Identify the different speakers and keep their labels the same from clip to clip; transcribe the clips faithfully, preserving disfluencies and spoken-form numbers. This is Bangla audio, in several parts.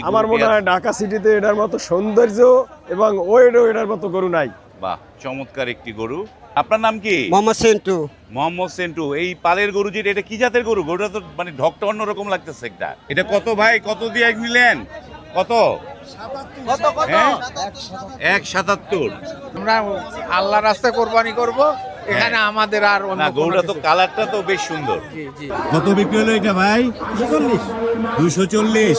Speaker 1: আমার মনে হয় ঢাকা সিটিতে এটার মতো সৌন্দর্য এবং ওয়েটও এটার মতো গরু নাই।
Speaker 2: বাহ, চমৎকার একটি গরু। আপনার নাম কি?
Speaker 3: মোহাম্মদ সেন্টু।
Speaker 2: মোহাম্মদ সেন্টু। এই পালের গরু যেটা, এটা কি জাতের গরু? গরুটা তো মানে ঢকটা অন্যরকম লাগতেছে একটা। এটা কত ভাই, কত দিয়ে নিলেন? কত? হ্যাঁ? এক সাতাত্তর।
Speaker 4: আমরা আল্লাহর রাস্তায় কোরবানি করব, এখানে আমাদের আর অন্য
Speaker 2: না,
Speaker 4: কোনো
Speaker 2: গরুটা তো
Speaker 4: কিছু-
Speaker 2: কালারটা তো বেশ সুন্দর।
Speaker 4: জি জি।
Speaker 2: কত বিক্রি হলো এটা ভাই? দুশো চল্লিশ।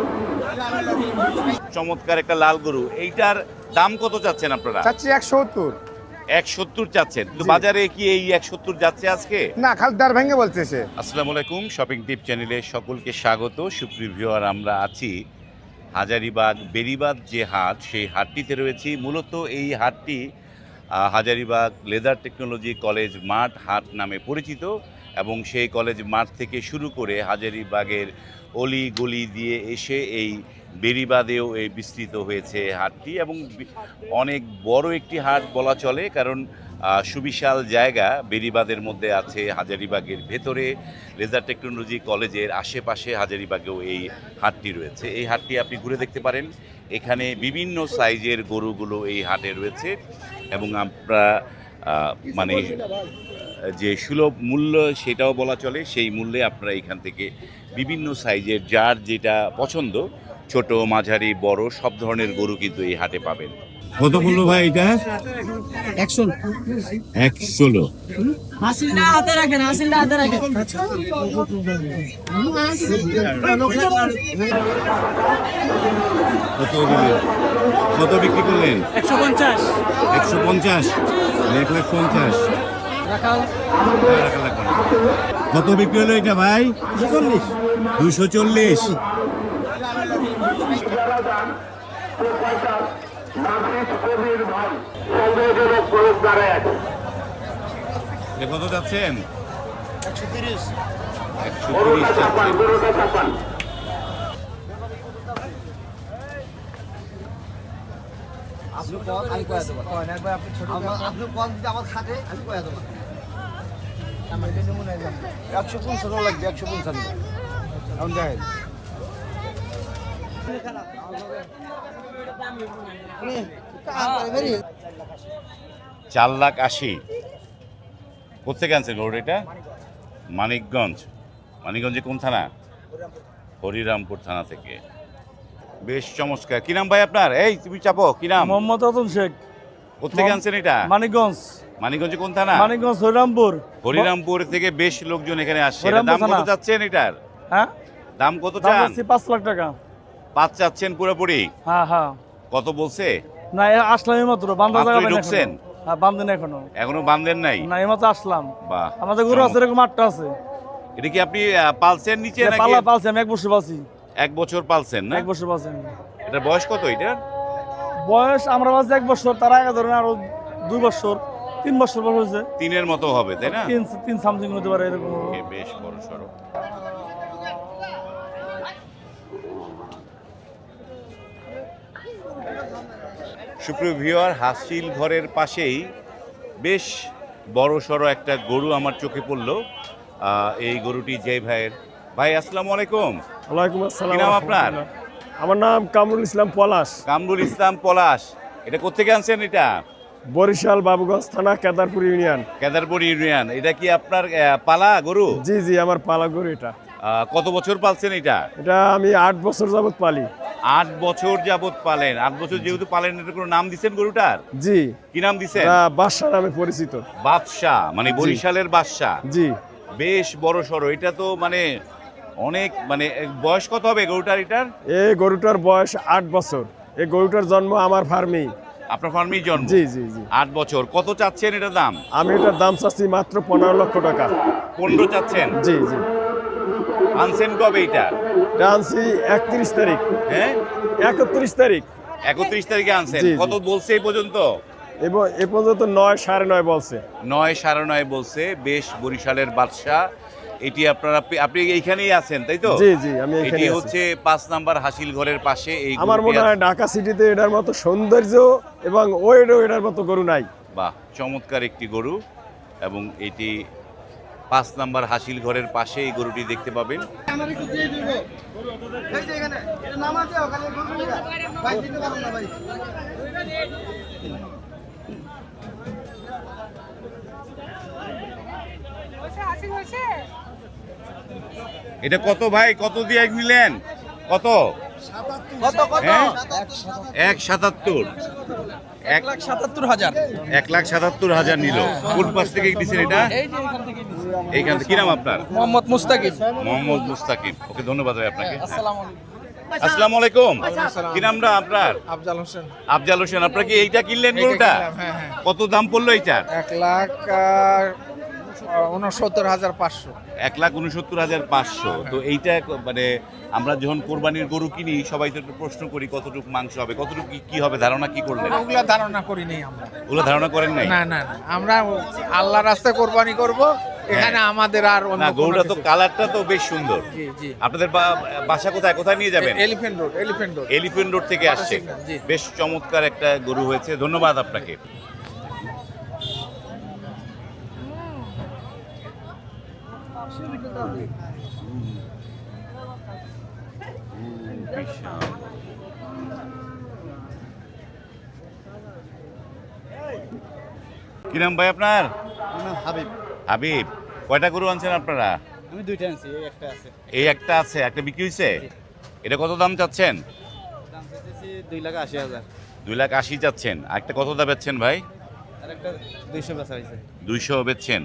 Speaker 2: চমৎকার একটা লাল গরু। এইটার দাম কত চাচ্ছেন আপনারা?
Speaker 5: চাচ্ছি একশো সত্তর।
Speaker 2: এক সত্তর চাচ্ছেন, কিন্তু বাজারে কি এই এক সত্তর যাচ্ছে আজকে?
Speaker 5: না, খালি দার ভেঙে বলছে সে।
Speaker 2: আসসালামু আলাইকুম, শপিং টিপ চ্যানেলে সকলকে স্বাগত। সুপ্রিয় ভিউয়ার, আমরা আছি হাজারীবাগ বেরিবাদ যে হাট, সেই হাটটিতে রয়েছি। মূলত এই হাটটি আহ, হাজারীবাগ লেদার টেকনোলজি কলেজ মাঠ হাট নামে পরিচিত, এবং সেই কলেজ মাঠ থেকে শুরু করে হাজারীবাগের অলি গলি দিয়ে এসে এই বেরিবাদেও এই বিস্তৃত হয়েছে হাটটি, এবং বি- অনেক বড় একটি হাট বলা চলে, কারণ আহ, সুবিশাল জায়গা বেরিবাদের মধ্যে আছে। হাজারীবাগের ভেতরে লেজার টেকনোলজি কলেজের আশেপাশে হাজারীবাগেও এই হাটটি রয়েছে। এই হাটটি আপনি ঘুরে দেখতে পারেন। এখানে বিভিন্ন সাইজের গরুগুলো এই হাটে রয়েছে, এবং আমরা আহ, মানে যে সুলভ মূল্য সেটাও বলা চলে, সেই মূল্যে আপনারা এখান থেকে বিভিন্ন সাইজের যার যেটা পছন্দ, ছোট মাঝারি বড় সব ধরনের গরু কিন্তু এই হাটে পাবেন। কত মূল্য ভাই এটা?
Speaker 3: একশো।
Speaker 2: এক ষোলো।
Speaker 3: হাসিলটা হাতে রাখেন, হাসিলটা হাতে রাখেন।
Speaker 2: কত দিলেন? কত বিক্রি করলেন?
Speaker 3: একশো পঞ্চাশ।
Speaker 2: একশো পঞ্চাশ। এক লাখ পঞ্চাশ। কত বিক্রি হলো এটা ভাই?
Speaker 3: চল্লিশ।
Speaker 2: দুশো চল্লিশ। কত যাচ্ছেন? একশো তিরিশ যাচ্ছেন।
Speaker 5: একশো পঞ্চান্ন লাগবে, একশো পঞ্চান্ন। এখন দেখেন
Speaker 2: চার লাখ আশি। কোথেকে আনছেন গরু এটা? মানিকগঞ্জ। মানিকগঞ্জে কোন থানা? হরিরামপুর থানা থেকে। বেশ চমৎকার। কি নাম ভাই আপনার? এই তুমি চাপো, কি নাম?
Speaker 6: মোহাম্মদ রতন শেখ।
Speaker 2: কোথেকে আনছেন এটা?
Speaker 6: মানিকগঞ্জ।
Speaker 2: মানিকগঞ্জে কোন থানা?
Speaker 6: মানিকগঞ্জ হরিরামপুর।
Speaker 2: হরিরামপুর থেকে বেশ লোকজন এখানে আসছে। এটার
Speaker 6: হরিরামপুর
Speaker 2: দাম কত
Speaker 6: থানা।
Speaker 2: চাচ্ছেন এটার?
Speaker 6: হ্যাঁ,
Speaker 2: দাম কত
Speaker 6: দাম
Speaker 2: চান?
Speaker 6: হচ্ছে পাঁচ লাখ টাকা।
Speaker 2: পাঁচ চাচ্ছেন পুরোপুরি?
Speaker 6: হ্যাঁ হ্যাঁ।
Speaker 2: কত বলছে?
Speaker 6: না, এ আসলাম এইমাত্র, বান্ধা
Speaker 2: মাত্রই
Speaker 6: জায়গা পাইনি
Speaker 2: ঢুকছেন?
Speaker 6: এখনো। হ্যাঁ, বান্ধেন এখনো।
Speaker 2: এখনো বান্ধেন নাই?
Speaker 6: না, এইমাত্র আসলাম।
Speaker 2: বাহ,
Speaker 6: আমাদের গরু আছে, এরকম আটটা আছে।
Speaker 2: এটা কি আপনি আহ, পালছেন নিচে
Speaker 6: এটা
Speaker 2: নাকি?
Speaker 6: পালা পালছি, আমি এক বছর পালছি।
Speaker 2: এক বছর পালছেন না?
Speaker 6: এক বছর পালছি আমি।
Speaker 2: এটার বয়স কত এটা?
Speaker 6: বয়স আমরা পালছি এক বছর, তার আগে ধরেন আরো দুই বছর, তিন বছর বয়স হয়েছে।
Speaker 2: তিনের মতো হবে তাই না?
Speaker 6: তিন তিন সামথিং হতে পারে এরকম।
Speaker 2: ওকে, বেশ বড় সড়ো। সুপ্রিয় ভিউয়ার, হাসিল ঘরের পাশেই বেশ বড় সড়ো একটা গরু আমার চোখে পড়লো। আহ, এই গরুটি যে ভাইয়ের। ভাই আসসালামু আলাইকুম।
Speaker 1: ওয়ালাইকুম আসসালাম।
Speaker 2: কি নাম আপনার?
Speaker 1: আমার নাম কামরুল ইসলাম পলাশ।
Speaker 2: কামরুল ইসলাম পলাশ। এটা কোত্থেকে আনছেন এটা?
Speaker 1: বরিশাল বাবুগঞ্জ থানা, কেদারপুর ইউনিয়ন।
Speaker 2: কেদারপুর ইউনিয়ন। এটা কি আপনার আহ, পালা গরু?
Speaker 1: জি জি, আমার পালা গরু এটা।
Speaker 2: আহ, কত বছর পালছেন এটা?
Speaker 1: এটা আমি আট বছর যাবত পালি।
Speaker 2: আট বছর যাবত পালেন। আট বছর যেহেতু পালেন, এটা কোনো নাম দিচ্ছেন গরুটার?
Speaker 1: জি,
Speaker 2: কি নাম দিচ্ছেন?
Speaker 1: এটা বাদশা নামে পরিচিত।
Speaker 2: বাদশাহ, মানে বরিশালের বাদশাহ।
Speaker 1: জি,
Speaker 2: বেশ বড় সড়ো। এটা তো মানে অনেক, মানে বয়স কত হবে গরুটার এটার?
Speaker 1: এই গরুটার বয়স আট বছর। এই গরুটার জন্ম আমার ফার্মেই।
Speaker 2: আপনার ফার্মেই জন্ম?
Speaker 1: জি জি জি।
Speaker 2: আট বছর। কত চাচ্ছেন এটার দাম?
Speaker 1: আমি এটার দাম চাচ্ছি মাত্র পনেরো লক্ষ টাকা।
Speaker 2: পনেরো চাচ্ছেন?
Speaker 1: জি জি।
Speaker 2: আনছেন কবে এটা?
Speaker 1: এটা আনছি একত্রিশ তারিখ।
Speaker 2: হ্যাঁ,
Speaker 1: একত্রিশ তারিখ।
Speaker 2: একত্রিশ তারিখে আনছেন।
Speaker 1: জি, জি।
Speaker 2: কত বলছে এই পর্যন্ত?
Speaker 1: এবং এ পর্যন্ত নয় সাড়ে নয় বলছে।
Speaker 2: নয় সাড়ে নয় বলছে। বেশ বরিশালের বাদশাহ। এটি আপনারা, আপনি এইখানেই আছেন তাই তো?
Speaker 1: জি জি, আমি এখানে
Speaker 2: এটি
Speaker 1: আছি।
Speaker 2: হচ্ছে পাঁচ নাম্বার হাসিল ঘরের পাশে। এই
Speaker 1: আমার
Speaker 2: গরুটি
Speaker 1: মনে হয়
Speaker 2: আছে।
Speaker 1: ঢাকা সিটিতে এটার মতো সৌন্দর্য এবং ওয়েটও এটার মতো গরু নাই।
Speaker 2: বাহ, চমৎকার একটি গরু। এবং এটি পাঁচ নাম্বার হাসিল ঘরের পাশে এই গরুটি দেখতে পাবেন। এটা কত ভাই, কত দিয়ে নিলেন, কত হ্যাঁ? এক সাতাত্তর এক লাখ
Speaker 3: সাতাত্তর হাজার
Speaker 2: এক লাখ সাতাত্তর হাজার নিল। কোন পাশ থেকে দিচ্ছেন এটা? এইখান থেকে। কি নাম আপনার?
Speaker 3: মোহাম্মদ মুস্তাকিম।
Speaker 2: মোহাম্মদ মুস্তাকিম। ওকে, ধন্যবাদ ভাই আপনাকে। আসসালামু আলাইকুম। কি নামটা আপনার?
Speaker 4: আফজাল হোসেন।
Speaker 2: আফজাল হোসেন। আপনার কি এইটা কিনলেন গরুটা?
Speaker 4: হ্যাঁ হ্যাঁ।
Speaker 2: কত দাম পড়লো এইটার?
Speaker 4: এক লাখ উনসত্তর হাজার পাঁচশো।
Speaker 2: এক লাখ উনসত্তর হাজার পাঁচশো। তো এইটা মানে আমরা যখন কোরবানির গরু কিনি সবাই তো একটু প্রশ্ন করি কতটুকু মাংস হবে, কতটুকু কি- কি হবে, ধারণা কি করলেন?
Speaker 4: ওগুলা ধারণা করি নাই আমরা।
Speaker 2: ওগুলো ধারণা করেন নাই?
Speaker 4: না না না, আমরা আল্লাহ রাস্তায় কোরবানি করব, এখানে আমাদের আর অন্য
Speaker 2: না,
Speaker 4: কোনো
Speaker 2: গরুটা তো
Speaker 4: কিছু-
Speaker 2: কালারটা তো বেশ সুন্দর।
Speaker 4: জি জি।
Speaker 2: আপনাদের বা- বাসা কোথায়, কোথায় নিয়ে যাবেন?
Speaker 4: Elephant Road, Elephant Road.
Speaker 2: Elephant Road থেকে আসছে।
Speaker 4: জি।
Speaker 2: বেশ চমৎকার একটা গরু হয়েছে, ধন্যবাদ আপনাকে। কি নাম ভাই আপনার?
Speaker 5: হাবিব।
Speaker 2: হাবিব। কয়টা গরু আনছেন আপনারা?
Speaker 5: আমি দুইটা আনছি, এই একটা আছে।
Speaker 2: এই একটা আছে, একটা বিক্রি হয়েছে। এটা কত দাম চাচ্ছেন?
Speaker 5: দাম চাইতেছি দুই লাখ আশি হাজার।
Speaker 2: দুই লাখ আশি চাচ্ছেন। আর একটা কত দাম বেচছেন ভাই?
Speaker 5: আর একটা দুইশো বেচা হয়েছে।
Speaker 2: দুইশো বেচছেন,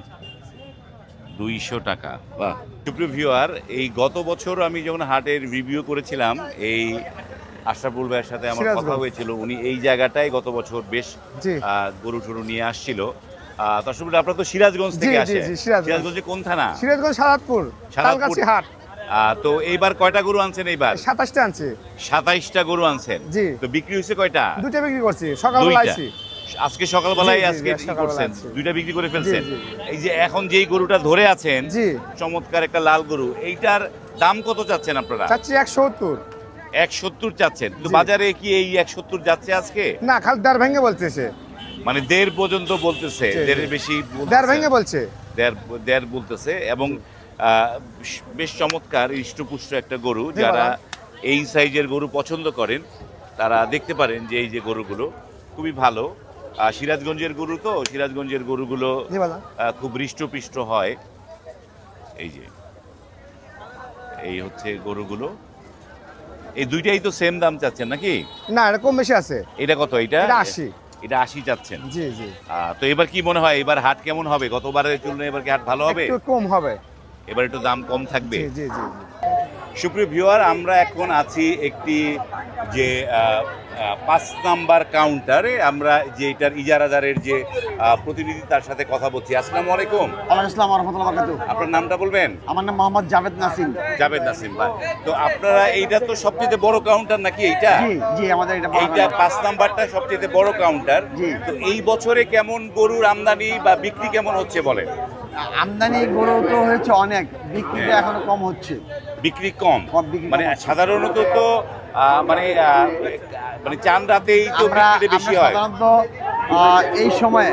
Speaker 2: দুইশো টাকা। বাহ। সুপ্রিয় ভিউয়ার, এই গত বছর আমি যখন হাটের রিভিউ করেছিলাম, এই আশরাফুল ভাইয়ের সাথে আমার কথা হয়েছিল। উনি এই জায়গাটায় গত বছর বেশ আহ, গরু টরু নিয়ে আসছিল। আহ, তো আসলে আপনারা তো সিরাজগঞ্জ থেকে আসে। সিরাজগঞ্জে কোন থানা?
Speaker 1: সিরাজগঞ্জ সাদাতপুর, তালগাছি হাট।
Speaker 2: আহ, তো এইবার কয়টা গরু আনছেন? এইবার
Speaker 1: সাতাশটা আনছি।
Speaker 2: সাতাইশটা গরু আনছেন।
Speaker 1: জি।
Speaker 2: তো বিক্রি হয়েছে কয়টা?
Speaker 1: দুইটা বিক্রি করছি সকালবেলা
Speaker 2: দুইটা।
Speaker 1: আইছি।
Speaker 2: আজকে সকালবেলায়
Speaker 1: জি, জি,
Speaker 2: আজকে
Speaker 1: জি,
Speaker 2: কি
Speaker 1: সকালবেলা
Speaker 2: করছেন?
Speaker 1: আছি।
Speaker 2: দুইটা বিক্রি করে ফেলছেন।
Speaker 1: জি,
Speaker 2: এই যে এখন যেই গরুটা ধরে আছেন,
Speaker 1: জি।
Speaker 2: চমৎকার একটা লাল গরু, এইটার দাম কত চাচ্ছেন আপনারা?
Speaker 1: চাচ্ছি একশো সত্তর।
Speaker 2: এক সত্তর চাচ্ছেন। তো
Speaker 1: জি।
Speaker 2: বাজারে কি এই এক সত্তর যাচ্ছে আজকে?
Speaker 1: না, খালি দেড় ভেঙে বলতেছে।
Speaker 2: মানে দেড় পর্যন্ত বলতেছে,
Speaker 1: জি, জি।
Speaker 2: দেড়ের বেশি বলতেছে।
Speaker 1: দেড় ভেঙে বলছে।
Speaker 2: দেড় দেড় বলতেছে। এবং আহ, বেশ চমৎকার হৃষ্টপুষ্ট একটা গরু।
Speaker 1: জি,
Speaker 2: যারা
Speaker 1: বাবা।
Speaker 2: এই সাইজের গরু পছন্দ করেন তারা দেখতে পারেন যে এই যে গরুগুলো খুবই ভালো। আহ, সিরাজগঞ্জের গরু তো, সিরাজগঞ্জের গরুগুলো
Speaker 1: জি বাবা।
Speaker 2: আহ, খুব হৃষ্টপুষ্ট হয়। এই যে এই হচ্ছে গরুগুলো। এই দুইটাই তো সেম দাম চাচ্ছেন নাকি?
Speaker 1: না, এটা কম বেশি আছে।
Speaker 2: এটা কত? এটা
Speaker 1: এটা আশি।
Speaker 2: এটা আশি চাচ্ছেন।
Speaker 1: জি জি।
Speaker 2: আহ, তো এবার কি মনে হয়, এবার হাট কেমন হবে? গতবারের তুলনায় এবার কি হাট ভালো হবে?
Speaker 1: একটু কম হবে।
Speaker 2: এবার একটু দাম কম থাকবে।
Speaker 1: জি জি জি।
Speaker 2: সুপ্রিয় ভিউয়ার, আমরা এখন আছি একটি যে আহ, আহ, পাঁচ নাম্বার কাউন্টারে। আমরা যে এটার ইজারাদারের যে আহ, প্রতিনিধি তার সাথে কথা বলছি। আসসালামু আলাইকুম।
Speaker 5: ওয়ালাইকুম আসসালাম ওয়া রাহমাতুল্লাহি ওয়া বারাকাতুহু।
Speaker 2: আপনার নামটা বলবেন?
Speaker 5: আমার নাম মোহাম্মদ জাভেদ নাসিম।
Speaker 2: জাভেদ নাসিম ভাই। তো আপনারা এইটা তো সবচেয়ে বড় কাউন্টার নাকি এইটা?
Speaker 5: জি জি, আমাদের এটা বড়
Speaker 2: এইটা
Speaker 5: কাউন্টার।
Speaker 2: পাঁচ নাম্বারটা সবচেয়ে বড় কাউন্টার।
Speaker 5: জি।
Speaker 2: তো এই বছরে কেমন গরুর আমদানি বা বিক্রি কেমন হচ্ছে বলেন?
Speaker 5: আমদানি গরু তো হয়েছে অনেক, বিক্রিটা
Speaker 2: হ্যাঁ।
Speaker 5: এখনো কম হচ্ছে।
Speaker 2: বিক্রি কম?
Speaker 5: কম, বিক্রি কম
Speaker 2: মানে
Speaker 5: হচ্ছে।
Speaker 2: সাধারণত তো আহ, মানে আহ, মানে চাঁদ রাতেই তো
Speaker 5: আমরা
Speaker 2: বিক্রিটা বেশি
Speaker 5: আমরা
Speaker 2: হয়।
Speaker 5: সাধারণত আহ, এই সময়ে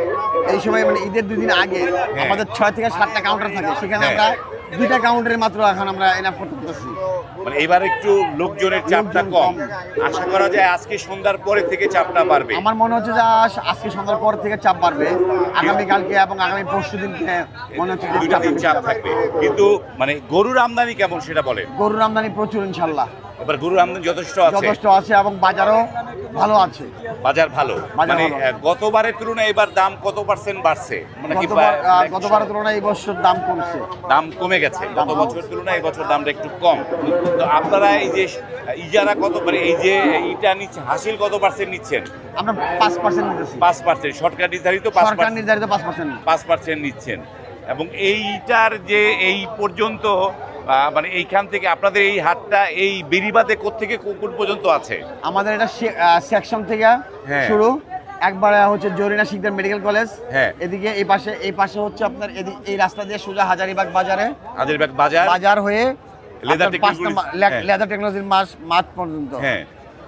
Speaker 5: এই সময় মানে ঈদের দুদিন আগে আমাদের ছয় থেকে সাতটা কাউন্টার থাকে, সেখানে
Speaker 2: হ্যাঁ।
Speaker 5: আমরা দুইটা কাউন্টারে মাত্র এখন আমরা এনাফ করতে পারতেছি।
Speaker 2: মানে এবার একটু লোকজনের চাপটা
Speaker 5: লোকজন
Speaker 2: কম।
Speaker 5: কম।
Speaker 2: আশা করা যায় আজকে সন্ধ্যার পরে থেকে চাপটা বাড়বে।
Speaker 5: আমার মনে হচ্ছে যে আজ- আজকে সন্ধ্যার পর থেকে চাপ বাড়বে, আগামীকালকে এবং আগামী পরশু দিনকে মনে হচ্ছে যে
Speaker 2: দুইটা
Speaker 5: চাপটা
Speaker 2: দিন
Speaker 5: বেশি
Speaker 2: চাপ
Speaker 5: হবে।
Speaker 2: থাকবে। কিন্তু মানে গরুর আমদানি কেমন সেটা বলেন।
Speaker 5: গরুর আমদানি প্রচুর ইনশাল্লাহ,
Speaker 2: এবার গরুর আমদানি যথেষ্ট আছে,
Speaker 5: যথেষ্ট আছে এবং বাজারও ভালো আছে।
Speaker 2: বাজার ভালো।
Speaker 5: বাজার
Speaker 2: মানে
Speaker 5: ভালো।
Speaker 2: আহ, গতবারের তুলনায় এবার দাম কত পার্সেন্ট বাড়ছে? মানে কি
Speaker 5: গতবার
Speaker 2: বা-
Speaker 5: আহ, গতবারের তুলনায় এই বছর দাম কমছে।
Speaker 2: দাম কমে গেছে গত বছরের তুলনায় এই বছর দামটা একটু কম। তো আপনারা এই যে ইজারা কত, মানে এই যে ইটা নিচ্ছে হাসিল কত পার্সেন্ট নিচ্ছেন?
Speaker 5: আমরা পাঁচ পার্সেন্ট নিতেছি,
Speaker 2: পাঁচ পার্সেন্ট সরকার নির্ধারিত পাঁচ
Speaker 5: সরকার
Speaker 2: পার্সেন্ট
Speaker 5: নির্ধারিত পাঁচ পার্সেন্ট।
Speaker 2: পাঁচ পার্সেন্ট নিচ্ছেন। এবং এইটার যে এই পর্যন্ত আহ, মানে এইখান থেকে আপনাদের এই হাটটা এই বেরিবাদে কোত্থেকে কোন পর্যন্ত আছে?
Speaker 5: আমাদের এটা সেকশন থেকে
Speaker 2: হ্যাঁ।
Speaker 5: শুরু, একবারে হচ্ছে জরিনা শিকদার মেডিকেল কলেজ,
Speaker 2: হ্যাঁ।
Speaker 5: এদিকে এই পাশে এই পাশে হচ্ছে আপনার এদি- এই রাস্তা দিয়ে সোজা হাজারিবাগ বাজারে
Speaker 2: হাজারীবাগ বাজার,
Speaker 5: বাজার হয়ে
Speaker 2: লেদার
Speaker 5: আপনার পাঁচ
Speaker 2: টেকনোলজি-
Speaker 5: নাম্বার লে-
Speaker 2: হ্যাঁ।
Speaker 5: লেদার টেকনোলজির মাস মাঠ পর্যন্ত।
Speaker 2: হ্যাঁ।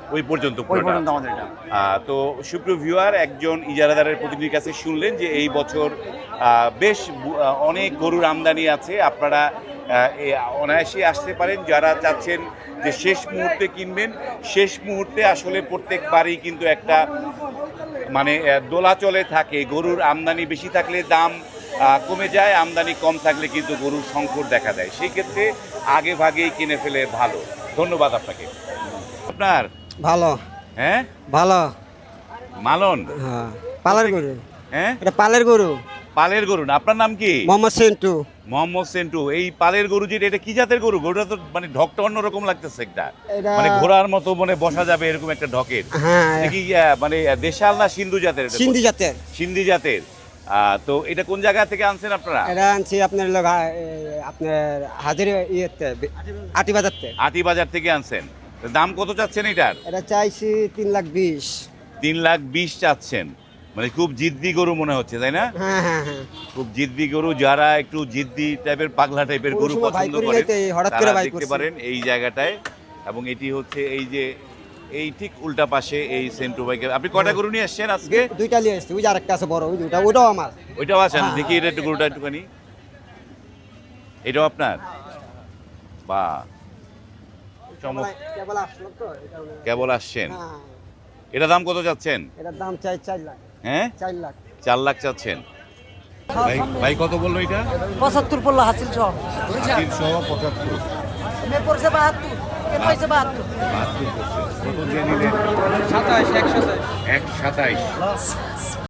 Speaker 2: ওই পর্যন্ত
Speaker 5: ওই
Speaker 2: পুরোটা
Speaker 5: পর্যন্ত
Speaker 2: আছে।
Speaker 5: আমাদের এটা।
Speaker 2: আহ, তো সুপ্রিয় ভিউয়ার, একজন ইজারাদারের প্রতিনিধির কাছে শুনলেন যে এই বছর আহ, বেশ বু- আহ, অনেক গরুর আমদানি আছে। আপনারা আহ, এ অনায়াসে আসতে পারেন যারা চাচ্ছেন যে শেষ মুহূর্তে কিনবেন। শেষ মুহূর্তে আসলে প্রত্যেকবারই কিন্তু একটা মানে আহ, দোলাচলে থাকে। গরুর আমদানি বেশি থাকলে দাম আহ, কমে যায়, আমদানি কম থাকলে কিন্তু গরুর সংকট দেখা দেয়। সেই ক্ষেত্রে আগে ভাগেই কিনে ফেলে ভালো। ধন্যবাদ আপনাকে। আপনার
Speaker 3: ভালো
Speaker 2: হ্যাঁ
Speaker 3: ভালো
Speaker 2: মালন,
Speaker 3: হ্যাঁ পালের গরু
Speaker 2: হ্যাঁ
Speaker 3: এটা পালের গরু
Speaker 2: পালের গরু না? আপনার নাম কি?
Speaker 3: মোহাম্মদ সেন্টু
Speaker 2: মোহাম্মদ সেন্টু। এই পালের গরু যেটা, এটা কি জাতের গরু? গরুটা তো মানে ঢকটা অন্যরকম লাগতেছে একটা,
Speaker 3: এটা
Speaker 2: মানে ঘোড়ার মতো মানে বসা যাবে এরকম একটা ঢকের।
Speaker 3: হ্যাঁ
Speaker 2: এটা কি আহ, মানে দেশাল না সিন্ধু জাতের? এটা
Speaker 3: সিন্ধি জাতের
Speaker 2: সিন্ধি জাতের। আহ, তো এটা কোন জায়গা থেকে আনছেন আপনারা?
Speaker 3: এটা আনছি আপনার লোক আপনার হাজির ইয়েতে আটি বাজারতে
Speaker 2: আটি বাজার থেকে আনছেন। তো দাম কত চাচ্ছেন এটার?
Speaker 3: এটা চাইছি তিন লাখ বিশ
Speaker 2: তিন লাখ বিশ চাচ্ছেন। মানে খুব জিদ্দি গরু মনে হচ্ছে, তাই না?
Speaker 3: হ্যাঁ হ্যাঁ হ্যাঁ
Speaker 2: খুব জিদ্দি গরু। যারা একটু জিদ্দি টাইপের পাগলা টাইপের
Speaker 3: ওই
Speaker 2: গরু
Speaker 3: সময় ভাই
Speaker 2: পছন্দ
Speaker 3: করি
Speaker 2: করেন
Speaker 3: নাই তো, এই হঠাৎ করে
Speaker 2: তারা
Speaker 3: ভাই
Speaker 2: দেখতে
Speaker 3: করছি।
Speaker 2: পারেন এই জায়গাটায়। এবং এটি হচ্ছে এই যে এই ঠিক উল্টা পাশে এই সেন্টু বাইকের। আপনি কয়টা গরু নিয়ে আসছেন আজকে?
Speaker 3: দুইটা নিয়ে আসছি, ওই যে আরেকটা আছে বড়, ওই দুইটা, ওইটাও আমার।
Speaker 2: ওইটাও আছেন?
Speaker 3: হ্যাঁ।
Speaker 2: দেখি এটা একটু গরুটা একটুখানি। এটাও আপনার? বা চমৎকার।
Speaker 3: কেবল আসলো তো, এটা হলো-
Speaker 2: কেবল আসছেন?
Speaker 3: হ্যাঁ,
Speaker 2: এটা দাম কত চাচ্ছেন?
Speaker 3: এটার দাম চাই চার লাখ
Speaker 2: হ্যাঁ,
Speaker 3: চার লাখ
Speaker 2: চার লাখ চাচ্ছেন। ভাই ভাই কত বললো এটা?
Speaker 3: পঁচাত্তর পড়লো হাসিল সহ
Speaker 2: তিনশো পঁচাত্তর।
Speaker 3: পড়ছে বাহাত্তর পয়সা বাহাত্তর
Speaker 2: বাহাত্তর করছে। কত দিয়ে নিলেন?
Speaker 3: সাতাশ একশো
Speaker 2: এক সাতাইশ।